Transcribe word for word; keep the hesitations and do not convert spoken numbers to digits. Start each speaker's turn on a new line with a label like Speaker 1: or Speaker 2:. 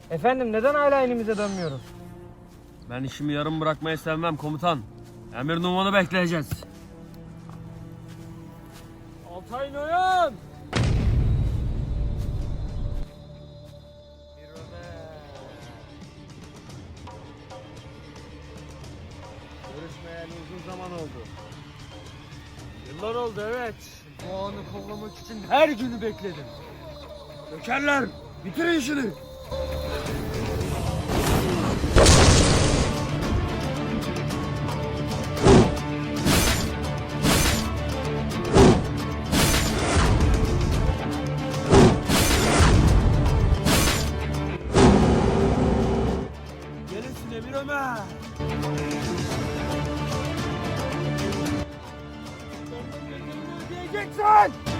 Speaker 1: Efendim neden hala inimize dönmüyoruz?
Speaker 2: Ben işimi yarım bırakmayı sevmem komutan. Emir numanı bekleyeceğiz. Altay Noyan!
Speaker 1: Görüşmeyeli uzun zaman oldu.
Speaker 2: Yıllar oldu evet.
Speaker 1: Bu anı kollamak için her günü bekledim.
Speaker 2: Dökerler! Bitirin işini! Gelin Emir Ömer!
Speaker 1: Ödeyeceksin!